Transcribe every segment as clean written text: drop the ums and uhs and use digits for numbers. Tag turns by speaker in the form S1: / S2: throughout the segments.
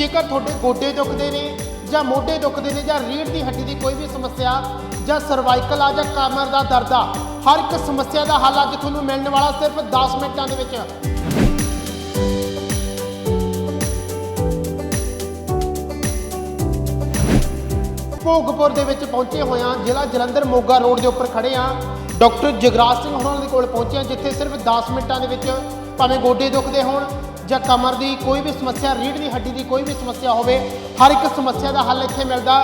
S1: ਜੇਕਰ ਤੁਹਾਡੇ ਗੋਡੇ ਦੁਖਦੇ ਨੇ ਜਾਂ ਮੋਢੇ ਦੁਖਦੇ ਨੇ ਜਾਂ ਰੀੜ੍ਹ ਦੀ ਹੱਡੀ ਦੀ ਕੋਈ ਵੀ ਸਮੱਸਿਆ ਜਾਂ ਸਰਵਾਈਕਲ ਆ ਜਾਂ ਕਮਰ ਦਾ ਦਰਦ ਆ, ਹਰ ਇੱਕ ਸਮੱਸਿਆ ਦਾ ਹੱਲ ਅੱਜ ਤੁਹਾਨੂੰ ਮਿਲਣ ਵਾਲਾ ਸਿਰਫ 10 ਮਿੰਟਾਂ ਦੇ ਵਿੱਚ। ਭੋਗਪੁਰ ਦੇ ਵਿੱਚ ਪਹੁੰਚੇ ਹੋਏ ਹਾਂ, ਜ਼ਿਲ੍ਹਾ ਜਲੰਧਰ ਮੋਗਾ ਰੋਡ ਦੇ ਉੱਪਰ ਖੜੇ ਹਾਂ। ਡਾਕਟਰ ਜਗਰਾਜ ਸਿੰਘ ਹੋਰਾਂ ਦੇ ਕੋਲ ਪਹੁੰਚੇ ਹਾਂ, ਜਿੱਥੇ ਸਿਰਫ 10 ਮਿੰਟਾਂ ਦੇ ਵਿੱਚ ਭਾਵੇਂ ਗੋਡੇ ਦੁਖਦੇ ਹੋਣ ਜਾਂ ਕਮਰ ਦੀ ਕੋਈ ਵੀ ਸਮੱਸਿਆ, ਰੀੜ੍ਹ ਦੀ ਹੱਡੀ ਦੀ ਕੋਈ ਵੀ ਸਮੱਸਿਆ ਹੋਵੇ, ਹਰ ਇੱਕ ਸਮੱਸਿਆ ਦਾ ਹੱਲ ਇੱਥੇ ਮਿਲਦਾ।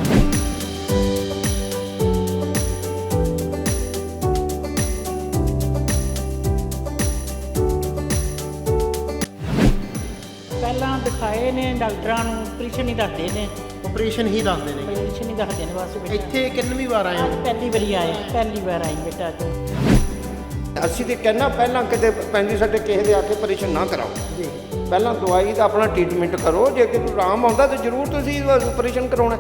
S2: ਪਹਿਲਾਂ ਦਿਖਾਏ ਨੇ ਡਾਕਟਰਾਂ ਨੂੰ, ਆਪਰੇਸ਼ਨ ਹੀ ਦੱਸਦੇ ਨੇ।
S1: ਆਪਰੇਸ਼ਨ ਹੀ ਦੱਸਦੇ ਨੇ?
S2: ਆਪਰੇਸ਼ਨ ਹੀ ਦੱਸਦੇ ਨੇ ਬਸ ਬੇਟਾ।
S1: ਇੱਥੇ ਕਿੰਨੀ ਵਾਰ ਆਏ ਹੋ?
S2: ਪਹਿਲੀ ਵਾਰੀ ਆਏ, ਪਹਿਲੀ ਵਾਰ ਆਈ ਬੇਟਾ ਅੱਜ।
S3: ਅਸੀਂ ਤੇ ਕਹਿਣਾ ਪਹਿਲਾਂ ਕਿਤੇ ਪੈਂਦੀ ਸਾਡੇ ਕਿਸੇ ਦੇ ਆ ਕੇ ਆਪਰੇਸ਼ਨ ਨਾ ਕਰਾਓ ਜੀ। ਪਹਿਲਾਂ ਦਵਾਈ ਦਾ ਆਪਣਾ ਟ੍ਰੀਟਮੈਂਟ ਕਰੋ, ਜੇ ਕਿ ਆਰਾਮ ਆਉਂਦਾ ਤਾਂ ਜ਼ਰੂਰ ਤੁਸੀਂ ਆਪਰੇਸ਼ਨ ਕਰਾਉਣਾ।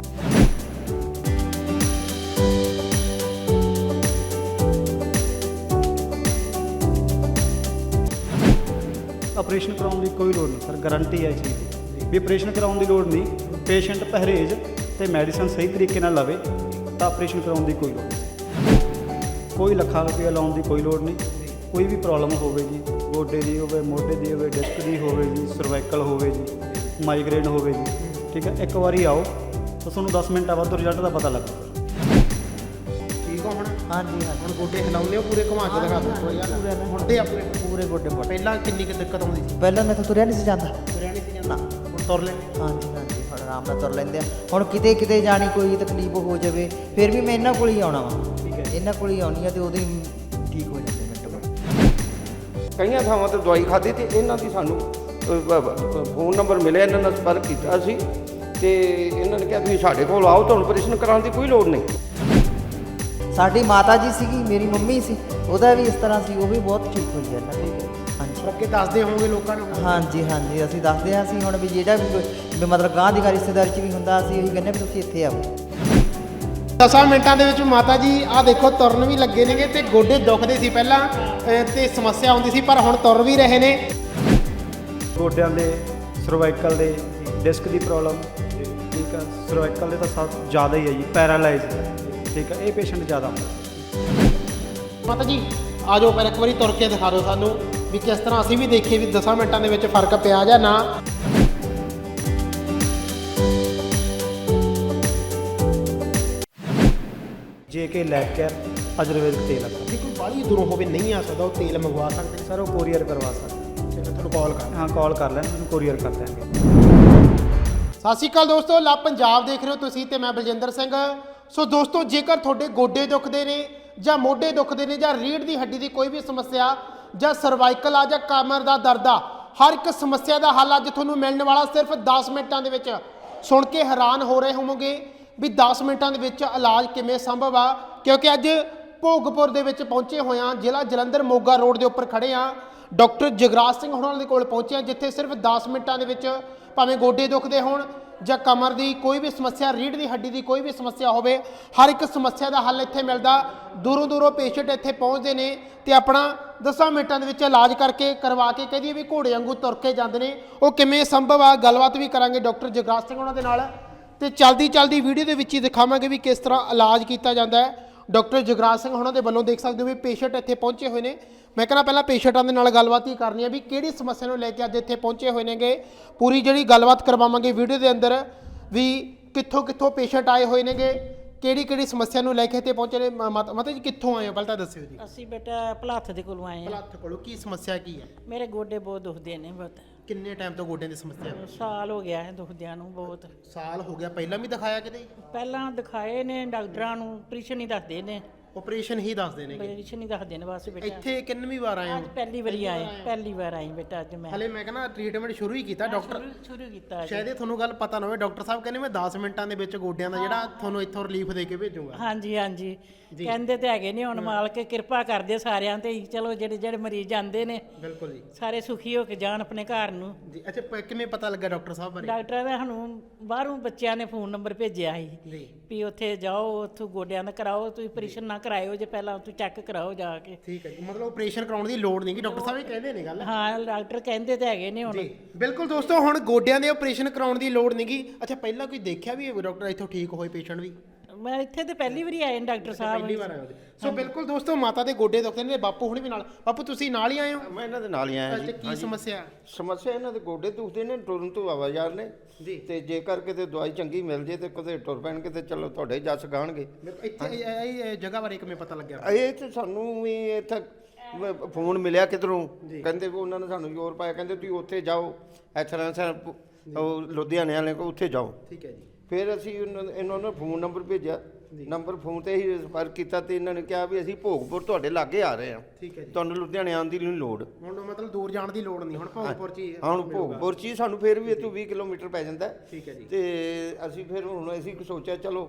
S4: ਆਪਰੇਸ਼ਨ ਕਰਾਉਣ ਦੀ ਕੋਈ ਲੋੜ ਨਹੀਂ ਸਰ, ਗਾਰੰਟੀ ਹੈ ਇਸ ਚੀਜ਼ ਦੀ ਵੀ ਆਪਰੇਸ਼ਨ ਕਰਾਉਣ ਦੀ ਲੋੜ ਨਹੀਂ। ਪੇਸ਼ੈਂਟ ਪਰਹੇਜ਼ ਤੇ ਮੈਡੀਸਨ ਸਹੀ ਤਰੀਕੇ ਨਾਲ ਲਵੇ ਤਾਂ ਆਪਰੇਸ਼ਨ ਕਰਾਉਣ ਦੀ ਕੋਈ ਲੋੜ ਨਹੀਂ। ਕੋਈ ਲੱਖਾਂ ਰੁਪਏ ਲਾਉਣ ਦੀ ਕੋਈ ਲੋੜ ਨਹੀਂ। ਕੋਈ ਵੀ ਪ੍ਰੋਬਲਮ ਹੋਵੇ ਜੀ, ਗੋਡੇ ਦੀ ਹੋਵੇ, ਮੋਢੇ ਦੀ ਹੋਵੇ, ਡਿਸਕ ਦੀ ਹੋਵੇ ਜੀ, ਸਰਵਾਈਕਲ ਹੋਵੇ ਜੀ, ਮਾਈਗ੍ਰੇਨ ਹੋਵੇ ਜੀ, ਠੀਕ ਹੈ, ਇੱਕ ਵਾਰੀ ਆਓ ਤਾਂ ਤੁਹਾਨੂੰ 10 ਮਿੰਟਾਂ ਬਾਅਦ ਰਿਜ਼ਲਟ ਦਾ ਪਤਾ ਲੱਗਦਾ।
S1: ਠੀਕ ਹੋ ਹੁਣ?
S2: ਹਾਂਜੀ ਹਾਂਜੀ,
S1: ਹੁਣ ਗੋਡੇ ਹਿਲਾਉਂਦੇ ਹੋ ਪੂਰੇ, ਘੁਮਾ ਕੇ ਦਿਖਾ ਦਿਓ ਥੋੜ੍ਹਾ ਜਿਹਾ। ਹੁਣ ਤੇ ਆਪਣੇ
S2: ਪੂਰੇ ਗੋਡੇ ਮੋਢੇ।
S1: ਪਹਿਲਾਂ ਕਿੰਨੀ ਕੁ ਦਿੱਕਤ ਆਉਂਦੀ ਸੀ?
S5: ਪਹਿਲਾਂ ਮੈਂ ਤਾਂ ਤੁਰਿਆ ਨਹੀਂ ਸੀ ਜਾਂਦਾ।
S1: ਤੁਰਿਆ ਨਹੀਂ ਸੀ ਜਾਂਦਾ, ਹੁਣ ਤੁਰ ਲੈਂਦੇ?
S5: ਹਾਂਜੀ ਹਾਂਜੀ, ਹੁਣ ਆਰਾਮ ਨਾਲ ਤੁਰ ਲੈਂਦੇ ਆ। ਹੁਣ ਕਿਤੇ ਕਿਤੇ ਜਾਣੀ ਕੋਈ ਤਕਲੀਫ ਹੋ ਜਾਵੇ ਫਿਰ ਵੀ ਮੈਂ ਇਹਨਾਂ ਕੋਲ ਹੀ ਆਉਣਾ ਵਾ।
S1: ਠੀਕ ਹੈ,
S5: ਇਹਨਾਂ ਕੋਲ ਹੀ ਆਉਣੀ ਆ ਤੇ ਉਹਦੇ ਹੀ ਠੀਕ ਹੋ ਜਾਂਦੇ ਮਿੰਟ ਬਾਅਦ।
S3: ਕਈਆਂ ਥਾਵਾਂ ਤੇ ਦਵਾਈ ਖਾਧੀ ਤੇ ਇਹਨਾਂ ਦੀ ਸਾਨੂੰ ਫੋਨ ਨੰਬਰ ਮਿਲਿਆ, ਇਹਨਾਂ ਨਾਲ ਸੰਪਰਕ ਕੀਤਾ ਅਸੀਂ ਤੇ ਇਹਨਾਂ ਨੇ ਕਿਹਾ ਤੁਸੀਂ ਸਾਡੇ ਕੋਲ ਆਓ, ਤੁਹਾਨੂੰ ਆਪਰੇਸ਼ਨ ਕਰਾਉਣ ਦੀ ਕੋਈ ਲੋੜ ਨਹੀਂ।
S5: ਸਾਡੀ ਮਾਤਾ ਜੀ ਸੀਗੀ, ਮੇਰੀ ਮੰਮੀ ਸੀ, ਉਹਦਾ ਵੀ ਇਸ ਤਰ੍ਹਾਂ ਸੀ, ਉਹ ਵੀ ਬਹੁਤ ਠੀਕ ਹੋਈ ਹੈ ਇਹਨਾਂ ਕੋਲ। ਹਾਂਜੀ
S1: ਅੱਗੇ ਦੱਸਦੇ ਹੋਵੋਗੇ ਲੋਕਾਂ ਨੂੰ?
S5: ਹਾਂਜੀ ਹਾਂਜੀ, ਅਸੀਂ ਦੱਸਦੇ ਹਾਂ। ਅਸੀਂ ਹੁਣ ਵੀ ਜਿਹੜਾ ਵੀ ਮਤਲਬ ਗਾਂਹ ਦੀ ਰਿਸ਼ਤੇਦਾਰੀ 'ਚ ਵੀ ਹੁੰਦਾ, ਅਸੀਂ ਇਹੀ ਕਹਿੰਦੇ ਵੀ ਤੁਸੀਂ ਇੱਥੇ ਆਓ।
S1: 10 ਮਿੰਟਾਂ ਦੇ ਵਿੱਚ ਮਾਤਾ ਜੀ ਆਹ ਦੇਖੋ ਤੁਰਨ ਵੀ ਲੱਗੇ ਨੇਗੇ ਤੇ ਗੋਡੇ ਦੁਖਦੇ ਸੀ ਪਹਿਲਾਂ ਤੇ ਸਮੱਸਿਆ ਆਉਂਦੀ ਸੀ, ਪਰ ਹੁਣ ਤੁਰ ਵੀ ਰਹੇ ਨੇ।
S4: ਗੋਡਿਆਂ ਦੇ, ਸਰਵਾਈਕਲ ਦੇ, ਡਿਸਕ ਦੀ ਪ੍ਰੋਬਲਮ, ਠੀਕ ਆ, ਸਰਵਾਈਕਲ ਦੇ ਤਾਂ ਸਭ ਜ਼ਿਆਦਾ ਹੀ ਹੈ ਜੀ, ਪੈਰਾਲਾਈਜ਼, ਠੀਕ ਆ, ਇਹ ਪੇਸ਼ੈਂਟ ਜ਼ਿਆਦਾ ਹੁੰਦਾ।
S1: ਮਾਤਾ ਜੀ ਆ ਜਾਓ, ਪਰ ਇੱਕ ਵਾਰੀ ਤੁਰ ਕੇ ਦਿਖਾ ਦਿਓ ਸਾਨੂੰ ਵੀ ਕਿਸ ਤਰ੍ਹਾਂ ਅਸੀਂ ਵੀ ਦੇਖੀਏ ਵੀ 10 ਮਿੰਟਾਂ ਦੇ ਵਿੱਚ ਫਰਕ ਪਿਆ ਜਾਂ ਨਾ।
S4: JK ਲੈਬ ਕੇਅਰ ਆਯੁਰਵੈਦਿਕ ਤੇਲ ਆ ਸਰ।
S1: ਜੇ ਕੋਈ ਬਾਹਲੀ ਦੂਰੋਂ ਹੋਵੇ ਨਹੀਂ ਆ ਸਕਦਾ, ਉਹ ਤੇਲ ਮੰਗਵਾ ਸਕਦੇ?
S4: ਸਰ ਉਹ ਕੋਰੀਅਰ ਕਰਵਾ ਸਕਦੇ।
S1: ਚਲੋ ਤੁਹਾਨੂੰ ਕਾਲ ਕਰ।
S4: ਹਾਂ, ਕਾਲ ਕਰ ਲੈਣ, ਤੁਹਾਨੂੰ ਕੋਰੀਅਰ ਕਰ ਦਿਆਂਗੇ।
S1: ਸਤਿ ਸ਼੍ਰੀ ਅਕਾਲ ਦੋਸਤੋ, ਲਾ ਪੰਜਾਬ ਦੇਖ ਰਹੇ ਹੋ ਤੁਸੀਂ ਤੇ ਮੈਂ ਬਲਜਿੰਦਰ ਸਿੰਘ। ਸੋ ਦੋਸਤੋ, ਜੇਕਰ ਤੁਹਾਡੇ ਗੋਡੇ ਦੁਖਦੇ ਨੇ ਜਾਂ ਮੋਢੇ ਦੁਖਦੇ ਨੇ ਜਾਂ ਰੀੜ੍ਹ ਦੀ ਹੱਡੀ ਦੀ ਕੋਈ ਵੀ ਸਮੱਸਿਆ ਜਾਂ ਸਰਵਾਈਕਲ ਆ ਜਾਂ ਕਮਰ ਦਾ ਦਰਦ ਆ, ਹਰ ਇੱਕ ਸਮੱਸਿਆ ਦਾ ਹੱਲ ਅੱਜ ਤੁਹਾਨੂੰ ਮਿਲਣ ਵਾਲਾ ਸਿਰਫ 10 ਮਿੰਟਾਂ ਦੇ ਵਿੱਚ। ਸੁਣ ਕੇ ਹੈਰਾਨ ਹੋ ਰਹੇ ਹੋਵੋਗੇ ਵੀ 10 ਮਿੰਟਾਂ ਦੇ ਵਿੱਚ ਇਲਾਜ ਕਿਵੇਂ ਸੰਭਵ ਆ, ਕਿਉਂਕਿ ਅੱਜ ਭੋਗਪੁਰ ਦੇ ਵਿੱਚ ਪਹੁੰਚੇ ਹੋਏ ਹਾਂ, ਜ਼ਿਲ੍ਹਾ ਜਲੰਧਰ ਮੋਗਾ ਰੋਡ ਦੇ ਉੱਪਰ ਖੜੇ ਹਾਂ। ਡਾਕਟਰ ਜਗਰਾਜ ਸਿੰਘ ਹੋਰਾਂ ਦੇ ਕੋਲ ਪਹੁੰਚੇ ਹਾਂ, ਜਿੱਥੇ ਸਿਰਫ 10 ਮਿੰਟਾਂ ਦੇ ਵਿੱਚ ਭਾਵੇਂ ਗੋਡੇ ਦੁਖਦੇ ਹੋਣ ਜਾਂ ਕਮਰ ਦੀ ਕੋਈ ਵੀ ਸਮੱਸਿਆ, ਰੀੜ੍ਹ ਦੀ ਹੱਡੀ ਦੀ ਕੋਈ ਵੀ ਸਮੱਸਿਆ ਹੋਵੇ, ਹਰ ਇੱਕ ਸਮੱਸਿਆ ਦਾ ਹੱਲ ਇੱਥੇ ਮਿਲਦਾ। ਦੂਰੋਂ ਦੂਰੋਂ ਪੇਸ਼ੈਂਟ ਇੱਥੇ ਪਹੁੰਚਦੇ ਨੇ ਤੇ ਆਪਣਾ 10 ਮਿੰਟਾਂ ਦੇ ਵਿੱਚ ਇਲਾਜ ਕਰਕੇ ਕਰਵਾ ਕੇ ਕਹਿ ਦਈਏ ਵੀ ਘੋੜੇ ਵਾਂਗੂ ਤੁਰ ਕੇ ਜਾਂਦੇ ਨੇ। ਉਹ ਕਿਵੇਂ ਸੰਭਵ ਆ, ਗੱਲਬਾਤ ਵੀ ਕਰਾਂਗੇ ਡਾਕਟਰ ਜਗਰਾਜ ਸਿੰਘ ਹੋਰਾਂ ਦੇ ਨਾਲ ਤੇ ਚਲਦੀ ਵੀਡੀਓ ਦੇ ਵਿੱਚ ਹੀ ਦਿਖਾਵਾਂਗੇ ਵੀ ਕਿਸ ਤਰ੍ਹਾਂ ਇਲਾਜ ਕੀਤਾ ਜਾਂਦਾ ਹੈ। ਡਾਕਟਰ ਜਗਰਾਜ ਸਿੰਘ ਹੋਰਾਂ ਦੇ ਵੱਲੋਂ ਦੇਖ ਸਕਦੇ ਹੋ ਵੀ ਪੇਸ਼ੈਂਟ ਇੱਥੇ ਪਹੁੰਚੇ ਹੋਏ ਨੇ। ਮੈਂ ਕਹਿੰਦਾ ਪਹਿਲਾਂ ਪੇਸ਼ੈਂਟਾਂ ਦੇ ਨਾਲ ਗੱਲਬਾਤ ਹੀ ਕਰਨੀ ਹੈ ਵੀ ਕਿਹੜੀ ਸਮੱਸਿਆ ਨੂੰ ਲੈ ਕੇ ਅੱਜ ਇੱਥੇ ਪਹੁੰਚੇ ਹੋਏ ਨੇਗੇ। ਪੂਰੀ ਜਿਹੜੀ ਗੱਲਬਾਤ ਕਰਵਾਵਾਂਗੇ ਵੀਡੀਓ ਦੇ ਅੰਦਰ ਵੀ ਕਿੱਥੋਂ ਪੇਸ਼ੈਂਟ ਆਏ ਹੋਏ ਨੇਗੇ, ਕਿਹੜੀ ਸਮੱਸਿਆ ਨੂੰ ਲੈ ਕੇ ਇੱਥੇ ਪਹੁੰਚੇ ਨੇ। ਮਾਤਾ ਜੀ ਕਿੱਥੋਂ ਆਏ ਹੋ ਪਹਿਲਾਂ ਤਾਂ ਦੱਸਿਓ ਜੀ।
S2: ਅਸੀਂ ਬੇਟਾ ਭਲਾਥ ਦੇ ਕੋਲੋਂ ਆਏ ਹਾਂ।
S1: ਭਲਾਥ ਕੋਲੋਂ? ਕੀ ਸਮੱਸਿਆ ਕੀ ਹੈ?
S2: ਮੇਰੇ ਗੋਡੇ ਬਹੁਤ ਦੁਖਦੇ ਨੇ ਬਹੁਤ।
S1: ਕਿੰਨੇ ਟਾਈਮ ਤੋਂ ਗੋਡਿਆਂ ਦੀ ਸਮੱਸਿਆ ਹੈ?
S2: ਸਾਲ ਹੋ ਗਿਆ ਹੈ ਦੁਖਦਿਆਂ ਨੂੰ ਬਹੁਤ।
S1: ਸਾਲ ਹੋ ਗਿਆ। ਪਹਿਲਾਂ ਵੀ ਦਿਖਾਇਆ ਕਿਤੇ?
S2: ਪਹਿਲਾਂ ਦਿਖਾਏ ਨੇ ਡਾਕਟਰਾਂ ਨੂੰ, ਆਪਰੇਸ਼ਨ ਹੀ ਦੱਸਦੇ ਨੇ।
S1: ਆਪਰੇਸ਼ਨ ਹੀ ਦੱਸਦੇ ਨੇਗੇ?
S2: ਆਪਰੇਸ਼ਨ ਹੀ ਦੱਸਦੇ ਨੇ ਬਸ ਬੇਟਾ।
S1: ਇੱਥੇ ਕਿੰਨੀ ਵਾਰ ਆਏ ਹੋ?
S2: ਅੱਜ ਪਹਿਲੀ ਵਾਰੀ ਆਏ, ਪਹਿਲੀ ਵਾਰ ਆਈ ਬੇਟਾ ਅੱਜ ਮੈਂ।
S1: ਹਲੇ ਮੈਂ ਕਹਿੰਦਾ ਟ੍ਰੀਟਮੈਂਟ ਸ਼ੁਰੂ ਹੀ ਕੀਤਾ ਡਾਕਟਰ।
S2: ਸ਼ੁਰੂ ਕੀਤਾ ਅੱਜ।
S1: ਸ਼ਾਇਦ ਇਹ ਤੁਹਾਨੂੰ ਗੱਲ ਪਤਾ ਨਾ ਹੋਵੇ, ਡਾਕਟਰ ਸਾਹਿਬ ਕਹਿੰਦੇ ਮੈਂ 10 ਮਿੰਟਾਂ ਦੇ ਵਿੱਚ ਗੋਡਿਆਂ ਦਾ ਜਿਹੜਾ ਤੁਹਾਨੂੰ ਇੱਥੋਂ ਰਿਲੀਫ ਦੇ ਕੇ ਭੇਜੂਗਾ।
S2: ਹਾਂਜੀ ਹਾਂਜੀ, ਕਹਿੰਦੇ ਤੇ ਹੈਗੇ ਨੇ, ਹੁਣ ਮਾਲਕ ਕਿਰਪਾ ਕਰਦੇ ਸਾਰਿਆਂ ਤੇ। ਚਲੋ ਜਿਹੜੇ ਮਰੀਜ਼ ਆਉਂਦੇ ਨੇ
S1: ਬਿਲਕੁਲ ਜੀ,
S2: ਸਾਰੇ ਸੁਖੀ ਹੋ ਕੇ ਜਾਣ ਆਪਣੇ ਘਰ ਨੂੰ
S1: ਜੀ। ਅੱਛਾ, ਕਿਵੇਂ ਪਤਾ ਲੱਗਾ ਡਾਕਟਰ ਸਾਹਿਬ ਬਾਰੇ?
S2: ਡਾਕਟਰਾਂ ਦਾ ਸਾਨੂੰ ਬਾਹਰੋਂ ਬੱਚਿਆਂ ਨੇ ਫੋਨ ਨੰਬਰ ਭੇਜਿਆ ਸੀ
S1: ਜੀ।
S2: ਵੀ ਉੱਥੇ ਜਾਓ, ਉੱਥੋਂ ਗੋਡਿਆਂ ਦਾ ਕਰਾਓ, ਤੁਸੀਂ ਆਪਰੇਸ਼ਨ ਨਾ ਕਰਾਇਓ ਜੇ ਪਹਿਲਾਂ ਤੁਸੀਂ ਚੈੱਕ ਕਰਾਓ ਜਾ ਕੇ।
S1: ਠੀਕ ਹੈ ਜੀ, ਮਤਲਬ ਆਪਰੇਸ਼ਨ ਕਰਾਉਣ ਦੀ ਲੋੜ ਨਹੀਂ ਗੀ, ਡਾਕਟਰ ਸਾਹਿਬ ਇਹ ਕਹਿੰਦੇ ਨੇ ਗੱਲ।
S2: ਹਾਂ ਡਾਕਟਰ ਕਹਿੰਦੇ ਤੇ ਹੈਗੇ ਨੇ ਹੁਣ।
S1: ਜੀ ਬਿਲਕੁਲ ਦੋਸਤੋ, ਹੁਣ ਗੋਡਿਆਂ ਦੇ ਆਪਰੇਸ਼ਨ ਕਰਾਉਣ ਦੀ ਲੋੜ ਨਹੀਂ ਗੀ। ਅੱਛਾ, ਪਹਿਲਾਂ ਕੋਈ ਦੇਖਿਆ ਵੀ ਡਾਕਟਰ ਇੱਥੋਂ ਠੀਕ ਹੋਏ ਪੇਸ਼ੈਂਟ ਵੀ?
S2: ਮੈਂ ਇੱਥੇ ਤੇ ਪਹਿਲੀ ਵਾਰੀ ਆਏ ਨੇ ਡਾਕਟਰ ਸਾਹਿਬ।
S1: ਪਹਿਲੀ ਵਾਰ ਆਏ ਹੋ ਜੀ। ਸੋ ਬਿਲਕੁਲ ਦੋਸਤੋ, ਮਾਤਾ ਦੇ ਗੋਡੇ ਦੁਖਦੇ ਨੇ, ਬਾਪੂ ਹੁਣ ਵੀ ਨਾਲ। ਬਾਪੂ ਤੁਸੀਂ ਨਾਲ ਹੀ ਆਏ ਹੋ?
S3: ਮੈਂ ਇਹਨਾਂ ਦੇ ਨਾਲ ਹੀ ਆਇਆ
S1: ਅੱਛਾ,
S3: ਜੀ।
S1: ਕੀ ਸਮੱਸਿਆ?
S3: ਸਮੱਸਿਆ ਇਹਨਾਂ ਦੇ ਗੋਡੇ ਦੁਖਦੇ ਨੇ, ਟੁਰਨ ਤੋਂ ਆਵਾਜ਼ਾਰ ਨੇ
S1: ਜੀ।
S3: ਤੇ ਜੇਕਰ ਕਿਤੇ ਦਵਾਈ ਚੰਗੀ ਮਿਲ ਜੇ ਤੇ ਕਦੇ ਟੁਰ ਪੈਣਗੇ ਤੇ ਚਲੋ ਤੁਹਾਡੇ ਜੱਸ ਗਾਣਗੇ।
S1: ਇੱਥੇ ਇਹ ਜਗ੍ਹਾ ਬਾਰੇ ਕਿਵੇਂ ਪਤਾ ਲੱਗਿਆ?
S3: ਇਹ ਤੇ ਸਾਨੂੰ ਵੀ ਇੱਥੇ ਫੋਨ ਮਿਲਿਆ ਕਿਧਰੋਂ, ਕਹਿੰਦੇ ਵੀ ਉਹਨਾਂ ਨੇ ਸਾਨੂੰ ਜ਼ੋਰ ਪਾਇਆ, ਕਹਿੰਦੇ ਤੁਸੀਂ ਉੱਥੇ ਜਾਓ, ਉਹ ਲੁਧਿਆਣੇ ਵਾਲੇ ਕੋਲ ਉੱਥੇ ਜਾਓ।
S1: ਠੀਕ ਹੈ ਜੀ।
S3: ਫਿਰ ਅਸੀਂ ਇਹਨਾਂ ਨੂੰ ਫੋਨ ਨੰਬਰ ਭੇਜਿਆ, ਨੰਬਰ ਫੋਨ ਤੇ ਹੀ ਸੰਪਰਕ ਕੀਤਾ ਤੇ ਇਹਨਾਂ ਨੇ ਕਿਹਾ ਵੀ ਅਸੀਂ ਭੋਗਪੁਰ ਤੁਹਾਡੇ ਲਾਗੇ ਆ ਰਹੇ ਹਾਂ,
S1: ਠੀਕ ਹੈ ਜੀ।
S3: ਤੁਹਾਨੂੰ ਲੁਧਿਆਣੇ ਆਉਣ ਦੀ ਨਹੀਂ ਲੋੜ।
S1: ਹੁਣ ਮਤਲਬ ਦੂਰ ਜਾਣ ਦੀ ਲੋੜ ਨਹੀਂ, ਹੁਣ ਭੋਗਪੁਰ ਚ ਹੀ
S3: ਹੁਣ ਭੋਗਪੁਰ ਚ ਹੀ ਸਾਨੂੰ ਫਿਰ ਵੀ ਇੱਥੋਂ 20 ਕਿਲੋਮੀਟਰ ਪੈ ਜਾਂਦਾ।
S1: ਠੀਕ ਹੈ ਜੀ।
S3: ਤੇ ਅਸੀਂ ਫਿਰ ਹੁਣ ਅਸੀਂ ਸੋਚਿਆ ਚਲੋ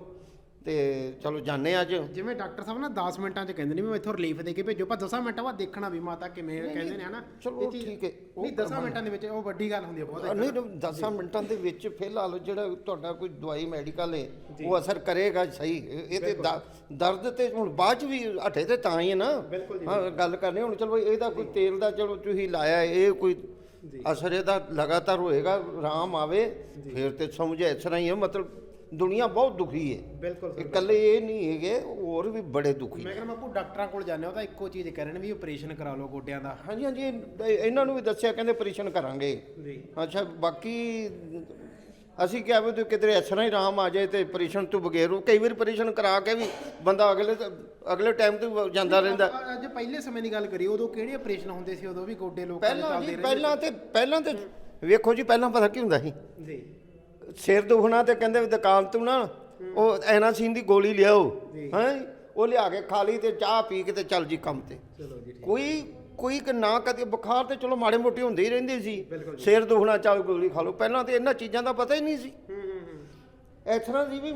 S3: ਜਾਂਦੇ ਹਾਂ ਅੱਜ।
S1: ਜਿਵੇਂ ਡਾਕਟਰ ਸਾਹਿਬ ਨਾ 10 ਮਿੰਟਾਂ 'ਚ ਕਹਿੰਦੇ ਨੇ ਵੀ ਇੱਥੋਂ ਰਿਲੀਫ ਦੇ ਕੇ ਭੇਜੋ, ਪਰ 10 ਮਿੰਟਾਂ ਬਾਅਦ ਦੇਖਣਾ ਵੀ ਮਾਤਾ ਕਿਵੇਂ ਕਹਿੰਦੇ ਨੇ ਹਨਾ।
S3: ਚਲੋ ਠੀਕ ਹੈ,
S1: ਨਹੀਂ 10 ਮਿੰਟਾਂ ਦੇ ਵਿੱਚ ਉਹ ਵੱਡੀ ਗੱਲ ਹੁੰਦੀ ਹੈ ਬਹੁਤ।
S3: ਨਹੀਂ 10 ਮਿੰਟਾਂ ਦੇ ਵਿੱਚ ਫਿਲਹਾਲ ਜਿਹੜਾ ਤੁਹਾਡਾ ਕੋਈ ਦਵਾਈ ਮੈਡੀਕਲ ਹੈ ਉਹ ਅਸਰ ਕਰੇਗਾ ਸਹੀ। ਇਹ ਤੇ ਦਰਦ ਤੇ ਹੁਣ ਬਾਅਦ ਚ ਵੀ ਹਟੇ ਤੇ ਤਾਂ ਹੀ ਹੈ ਨਾ। ਹਾਂ ਗੱਲ ਕਰਨੀ ਹੁਣ। ਚਲੋ ਇਹਦਾ ਕੋਈ ਤੇਲ ਦਾ ਚਲੋ ਤੁਸੀਂ ਲਾਇਆ, ਇਹ ਕੋਈ ਅਸਰ ਇਹਦਾ ਲਗਾਤਾਰ ਹੋਏਗਾ, ਆਰਾਮ ਆਵੇ ਫਿਰ ਤੇ ਸਮਝੇ ਇਸ ਤਰ੍ਹਾਂ ਹੀ ਹੈ। ਮਤਲਬ ਦੁਨੀਆ ਬਹੁਤ ਦੁਖੀ ਹੈ।
S1: ਬਿਲਕੁਲ
S3: ਇਕੱਲੇ ਇਹ ਨਹੀਂ ਹੈਗੇ, ਹੋਰ ਵੀ ਬੜੇ ਦੁਖੀ।
S1: ਮੈਂ ਕਹਿੰਦਾ ਬਾਪੂ ਡਾਕਟਰਾਂ ਕੋਲ ਜਾਂਦੇ ਹੋ ਤਾਂ ਇੱਕੋ ਚੀਜ਼ ਕਰਨ ਵੀ ਆਪਰੇਸ਼ਨ ਕਰਾ ਲਓ ਗੋਡਿਆਂ ਦਾ।
S3: ਹਾਂਜੀ ਹਾਂਜੀ, ਇਹਨਾਂ ਨੂੰ ਵੀ ਦੱਸਿਆ, ਕਹਿੰਦੇ ਆਪਰੇਸ਼ਨ ਕਰਾਂਗੇ
S1: ਜੀ।
S3: ਅੱਛਾ, ਬਾਕੀ ਅਸੀਂ ਕਿਹਾ ਵੀ ਕਿਧਰੇ ਇਸ ਤਰ੍ਹਾਂ ਹੀ ਆਰਾਮ ਆ ਜਾਏ ਤੇ ਆਪਰੇਸ਼ਨ ਤੋਂ ਬਗੈਰ। ਕਈ ਵਾਰ ਆਪਰੇਸ਼ਨ ਕਰਾ ਕੇ ਵੀ ਬੰਦਾ ਅਗਲੇ ਟਾਈਮ ਤੇ ਜਾਂਦਾ ਰਹਿੰਦਾ।
S1: ਅੱਜ ਪਹਿਲੇ ਸਮੇਂ ਦੀ ਗੱਲ ਕਰੀ, ਉਦੋਂ ਕਿਹੜੇ ਆਪਰੇਸ਼ਨ ਹੁੰਦੇ ਸੀ? ਉਦੋਂ ਵੀ ਗੋਡੇ ਲੋਕਾਂ ਦੇ
S3: ਪਹਿਲਾਂ ਜੀ
S1: ਚੱਲਦੇ
S3: ਪਹਿਲਾਂ ਤੇ ਵੇਖੋ ਜੀ, ਪਹਿਲਾਂ ਪਤਾ ਕੀ ਹੁੰਦਾ ਸੀ,
S1: ਜੀ।
S3: ਸਿਰ ਦੁਖਣਾ ਤੇ ਕਹਿੰਦੇ ਵੀ ਦੁਕਾਨ ਤੋਂ ਨਾ ਉਹ ਐਨਾਸੀਨ ਦੀ ਗੋਲੀ ਲਿਆਓ, ਹੈਂ ਉਹ ਲਿਆ ਕੇ ਖਾ ਲਈ ਤੇ ਚਾਹ ਪੀ ਕੇ ਤੇ ਚੱਲ ਜੀ ਕੰਮ ਤੇ।
S1: ਚਲੋ ਜੀ।
S3: ਕੋਈ ਨਾ ਕਦੇ ਬੁਖਾਰ ਤੇ ਚਲੋ ਮਾੜੇ ਮੋਟੇ ਹੁੰਦੇ ਹੀ ਰਹਿੰਦੇ ਸੀ, ਸਿਰ ਦੁਖਣਾ ਚੱਲ ਗੋਲੀ ਖਾ ਲਓ। ਪਹਿਲਾਂ ਤੇ ਇਹਨਾਂ ਚੀਜ਼ਾਂ ਦਾ ਪਤਾ ਹੀ ਨਹੀਂ ਸੀ। ਇਸ ਤਰ੍ਹਾਂ ਦੀ ਵੀ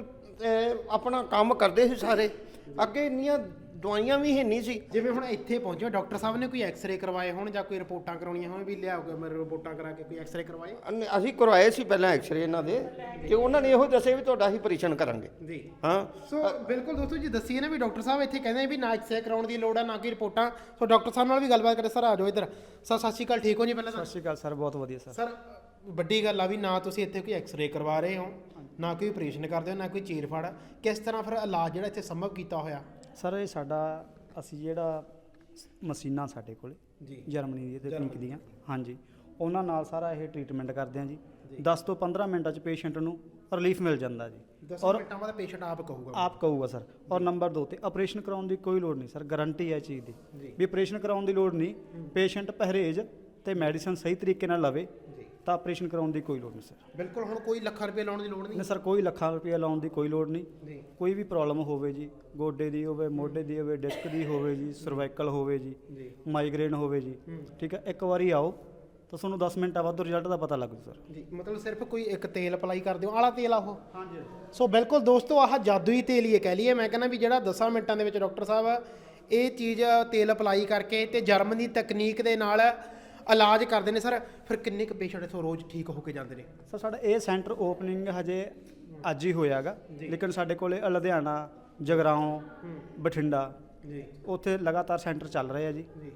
S3: ਮਤਲਬ ਆਪਣਾ ਕੰਮ ਕਰਦੇ ਸੀ ਸਾਰੇ। ਅੱਗੇ ਇੰਨੀਆਂ ਦਵਾਈਆਂ ਵੀ ਹੈ ਨਹੀਂ ਸੀ।
S1: ਜਿਵੇਂ ਹੁਣ ਇੱਥੇ ਪਹੁੰਚੋ, ਡਾਕਟਰ ਸਾਹਿਬ ਨੇ ਕੋਈ ਐਕਸ-ਰੇ ਕਰਵਾਏ ਹੋਣ ਜਾਂ ਕੋਈ ਰਿਪੋਰਟਾਂ ਕਰਾਉਣੀਆਂ ਹੋਣ, ਵੀ ਲਿਆਓ ਮੇਰੇ ਰਿਪੋਰਟਾਂ ਕਰਾ ਕੇ ਕੋਈ ਐਕਸ-ਰੇ ਕਰਵਾਏ?
S3: ਅਸੀਂ ਕਰਵਾਏ ਸੀ ਪਹਿਲਾਂ ਐਕਸ-ਰੇ ਇਹਨਾਂ ਦੇ, ਤੇ ਉਹਨਾਂ ਨੇ ਇਹੋ ਦੱਸਿਆ ਵੀ ਤੁਹਾਡਾ ਅਸੀਂ ਆਪਰੇਸ਼ਨ ਕਰਾਂਗੇ।
S1: ਜੀ
S3: ਹਾਂ।
S1: ਸੋ ਬਿਲਕੁਲ ਦੋਸਤੋ ਜੀ, ਦੱਸੀਏ ਨਾ ਵੀ ਡਾਕਟਰ ਸਾਹਿਬ ਇੱਥੇ ਕਹਿੰਦੇ ਵੀ ਨਾ ਐਕਸ-ਰੇ ਕਰਾਉਣ ਦੀ ਲੋੜ ਆ, ਨਾ ਕੋਈ ਰਿਪੋਰਟਾਂ। ਸੋ ਡਾਕਟਰ ਸਾਹਿਬ ਨਾਲ ਵੀ ਗੱਲਬਾਤ ਕਰੇ। ਸਰ ਆ ਜਾਓ ਇੱਧਰ। ਸਰ ਸਤਿ ਸ਼੍ਰੀ ਅਕਾਲ, ਠੀਕ ਹੋ ਜੀ? ਪਹਿਲਾਂ ਤਾਂ
S4: ਸਤਿ ਸ਼੍ਰੀ ਅਕਾਲ ਸਰ, ਬਹੁਤ ਵਧੀਆ ਸਰ।
S1: ਸਰ ਵੱਡੀ ਗੱਲ ਆ ਵੀ ਨਾ ਤੁਸੀਂ ਇੱਥੇ ਕੋਈ ਐਕਸ-ਰੇ ਕਰਵਾ ਰਹੇ ਹੋ, ਨਾ ਕੋਈ ਆਪਰੇਸ਼ਨ ਕਰਦੇ ਹੋ, ਨਾ ਕੋਈ ਚੀਰ-ਫਾੜ। ਕਿਸ ਤਰ੍ਹਾਂ ਫਿਰ ਇਲਾਜ ਜਿਹੜਾ ਇੱਥੇ ਸੰਭਵ ਕੀਤਾ ਹੋਇਆ?
S4: ਸਰ ਇਹ ਸਾਡਾ ਅਸੀਂ ਜਿਹੜਾ ਮਸ਼ੀਨਾਂ ਸਾਡੇ ਕੋਲ
S1: ਜੀ
S4: ਜਰਮਨੀ ਦੀ ਤਕਨੀਕ ਦੀਆਂ, ਹਾਂਜੀ, ਉਹਨਾਂ ਨਾਲ ਸਾਰਾ ਇਹ ਟ੍ਰੀਟਮੈਂਟ ਕਰਦੇ ਹਾਂ ਜੀ। 10 ਤੋਂ 15 ਮਿੰਟਾਂ 'ਚ ਪੇਸ਼ੈਂਟ ਨੂੰ ਰਿਲੀਫ ਮਿਲ ਜਾਂਦਾ ਜੀ।
S1: 10 ਮਿੰਟਾਂ ਬਾਅਦ ਪੇਸ਼ੈਂਟ ਆਪ ਕਹੂਗਾ
S4: ਸਰ। ਔਰ ਨੰਬਰ 2 ਤੇ ਆਪਰੇਸ਼ਨ ਕਰਾਉਣ ਦੀ ਕੋਈ ਲੋੜ ਨਹੀਂ ਸਰ, ਗਾਰੰਟੀ ਹੈ ਚੀਜ਼ ਦੀ ਵੀ ਆਪਰੇਸ਼ਨ ਕਰਾਉਣ ਦੀ ਲੋੜ ਨਹੀਂ। ਪੇਸ਼ੈਂਟ ਪਰਹੇਜ਼ ਤੇ ਮੈਡੀਸਨ ਸਹੀ ਤਰੀਕੇ ਨਾਲ ਲਵੇ ਤਾਂ ਆਪਰੇਸ਼ਨ ਕਰਾਉਣ ਦੀ ਕੋਈ ਲੋੜ ਨਹੀਂ ਸਰ।
S1: ਬਿਲਕੁਲ। ਹੁਣ ਕੋਈ ਲੱਖਾਂ ਰੁਪਏ ਲਾਉਣ ਦੀ ਲੋੜ ਨਹੀਂ
S4: ਸਰ, ਕੋਈ ਲੱਖਾਂ ਰੁਪਏ ਲਾਉਣ ਦੀ ਕੋਈ ਲੋੜ ਨਹੀਂ। ਕੋਈ ਵੀ ਪ੍ਰੋਬਲਮ ਹੋਵੇ ਜੀ, ਗੋਡੇ ਦੀ ਹੋਵੇ, ਮੋਢੇ ਦੀ ਹੋਵੇ, ਡਿਸਕ ਦੀ ਹੋਵੇ ਜੀ, ਸਰਵਾਈਕਲ ਹੋਵੇ ਜੀ, ਮਾਈਗ੍ਰੇਨ ਹੋਵੇ ਜੀ, ਠੀਕ ਹੈ, ਇੱਕ ਵਾਰੀ ਆਓ ਤਾਂ ਤੁਹਾਨੂੰ 10 ਮਿੰਟਾਂ ਬਾਅਦ ਰਿਜ਼ਲਟ ਦਾ ਪਤਾ ਲੱਗ ਜੂ ਸਰ।
S1: ਜੀ ਮਤਲਬ ਸਿਰਫ ਕੋਈ ਇੱਕ ਤੇਲ ਅਪਲਾਈ ਕਰ ਦਿਓ, ਆਲਾ ਤੇਲ ਆ ਉਹ? ਹਾਂਜੀ। ਸੋ ਬਿਲਕੁਲ ਦੋਸਤੋ, ਆਹ ਜਾਦੂਈ ਤੇਲ ਹੀ ਕਹਿ ਲਈਏ। ਮੈਂ ਕਹਿੰਦਾ ਵੀ ਜਿਹੜਾ 10 ਮਿੰਟਾਂ ਦੇ ਵਿੱਚ ਡਾਕਟਰ ਸਾਹਿਬ ਇਹ ਚੀਜ਼ ਤੇਲ ਅਪਲਾਈ ਕਰਕੇ ਤੇ ਜਰਮਨੀ ਤਕਨੀਕ ਦੇ ਨਾਲ ਇਲਾਜ ਕਰਦੇ ਨੇ। ਸਰ ਫਿਰ ਕਿੰਨੇ ਕੁ ਪੇਸ਼ੈਂਟ ਇੱਥੋਂ ਰੋਜ਼ ਠੀਕ ਹੋ ਕੇ ਜਾਂਦੇ ਨੇ?
S4: ਸਰ ਸਾਡਾ ਇਹ ਸੈਂਟਰ ਓਪਨਿੰਗ ਹਜੇ ਅੱਜ ਹੀ ਹੋਇਆਗਾ, ਲੇਕਿਨ ਸਾਡੇ ਕੋਲੇ ਲੁਧਿਆਣਾ, ਜਗਰਾਓਂ, ਬਠਿੰਡਾ
S1: ਜੀ
S4: ਉੱਥੇ ਲਗਾਤਾਰ ਸੈਂਟਰ ਚੱਲ ਰਹੇ ਆ ਜੀ।
S1: ਜੀ।